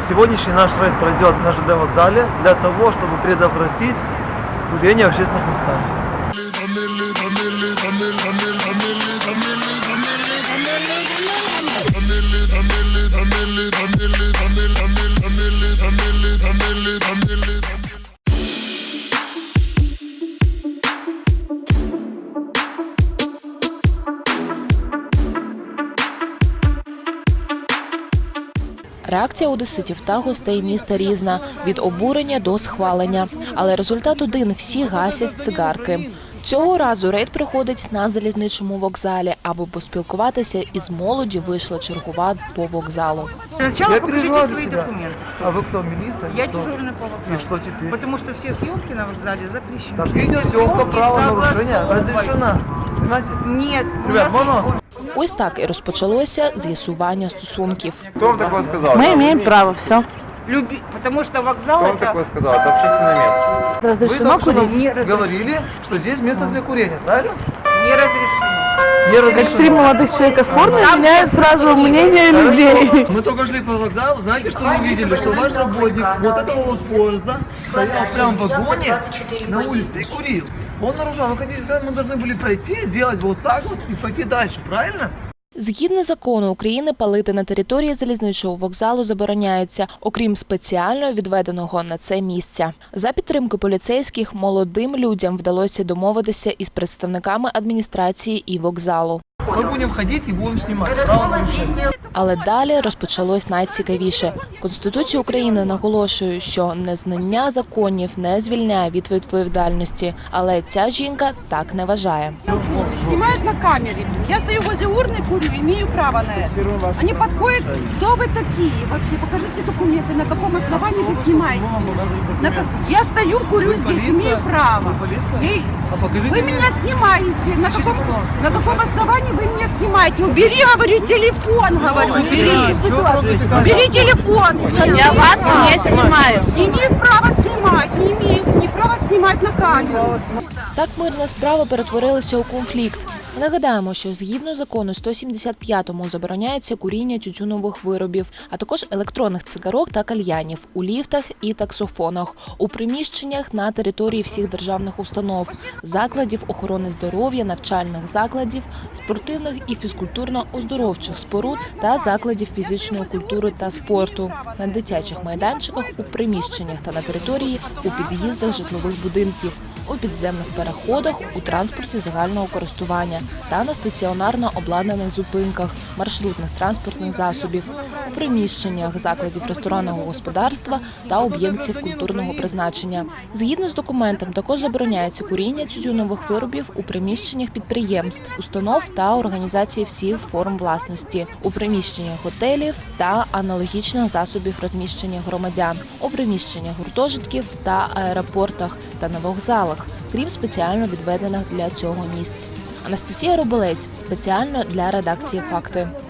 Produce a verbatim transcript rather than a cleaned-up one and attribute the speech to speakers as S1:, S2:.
S1: Сегодняшний наш рейд пройдет на ЖД вокзале для того, чтобы предотвратить курение в общественных местах.
S2: Реакція одеситів та гостей міста різна – від обурення до схвалення. Але результат один – всі гасять цигарки. Цього разу рейд проходить на залізничному вокзалі, аби поспілкуватися із молоддю вийшла чергова по вокзалу.
S3: Сначала покажите свои документы.
S1: А вы кто, милиция?
S3: Я
S1: кто?
S3: дежурный по вокзалу.
S1: И что теперь?
S3: Потому что все съемки на вокзале запрещены.
S1: Так, видеосъемка, правонарушение разрешена. Понимаете?
S3: Нет.
S1: Ребят, можно?
S2: Ось так і розпочалося з'ясування стосунків.
S4: Кто вам такое сказал?
S5: Мы имеем право, все.
S3: Люби... Потому что вокзал
S4: Кто вам
S3: это...
S4: такое сказал? Это общественное место.
S1: Вы
S5: Разрешено
S1: только что
S5: курить?
S1: нам
S3: Не разрешено.
S1: говорили, что здесь место для курения, правильно?
S3: Не разрешено.
S1: Не
S5: Как три
S1: разрешено.
S5: молодых человека в форме меняют сразу мнение людей.
S1: Мы только шли по вокзалу, знаете, что мы видели? Что ваш работник вот этого вот поезда стоял прямо в вагоне на улице и курил. Он нарушал. Вы хотите сказать, мы должны были пройти, сделать вот так вот и пойти дальше, правильно?
S2: Згідно закону України, палити на території залізничного вокзалу забороняється, окрім спеціально відведеного на це місця. За підтримки поліцейських молодим людям вдалося домовитися із представниками адміністрації і вокзалу.
S1: Мы будем ходить и будем снимать. Правонарушение.
S2: Але далі розпочалось найцікавіше. Конституція України наголошує, що незнання законів не звільняє від відповідальності. Але ця жінка так не вважає.
S6: Снимают на камере. Я стою возле урны, курю, имею право на это. Они подходят, кто вы такие? Вообще, покажите документы, на каком основании вы снимаете. На как- Я стою, курю
S1: Вы
S6: здесь,
S1: полиция?
S6: имею право.
S1: Вы полиция?
S6: Я-
S1: А покажите
S6: Вы
S1: мне.
S6: меня снимаете. На каком,
S1: пожалуйста.
S6: на каком основании вы меня снимаете? Убери, говорю, телефон, говорю, убери. Убери телефон.
S5: Я вас не снимаю.
S6: Не имеют права снимать, не имеют, не право снимать на камеру.
S2: Так мирна справа перетворилася у конфлікт. Нагадаємо, що згідно закону сто сімдесят п'ятому забороняється куріння тютюнових виробів, а також електронних цигарок та кальянів у ліфтах і таксофонах, у приміщеннях на території всіх державних установ, закладів охорони здоров'я, навчальних закладів, спортивних і фізкультурно-оздоровчих споруд та закладів фізичної культури та спорту, на дитячих майданчиках, у приміщеннях та на території, у під'їздах житлових будинків, у підземних переходах, у транспорті загального користування та на стаціонарно обладнаних зупинках маршрутних транспортних засобів, у приміщеннях закладів ресторанного господарства та об'єктів культурного призначення. Згідно з документом, також забороняється куріння тютюнових виробів у приміщеннях підприємств, установ та організацій всіх форм власності, у приміщеннях готелів та аналогічних засобів розміщення громадян, у приміщеннях гуртожитків та аеропортах та на вокзалах, крім спеціально відведених для цього місць. Анастасія Роболець, спеціально для редакції «Факти».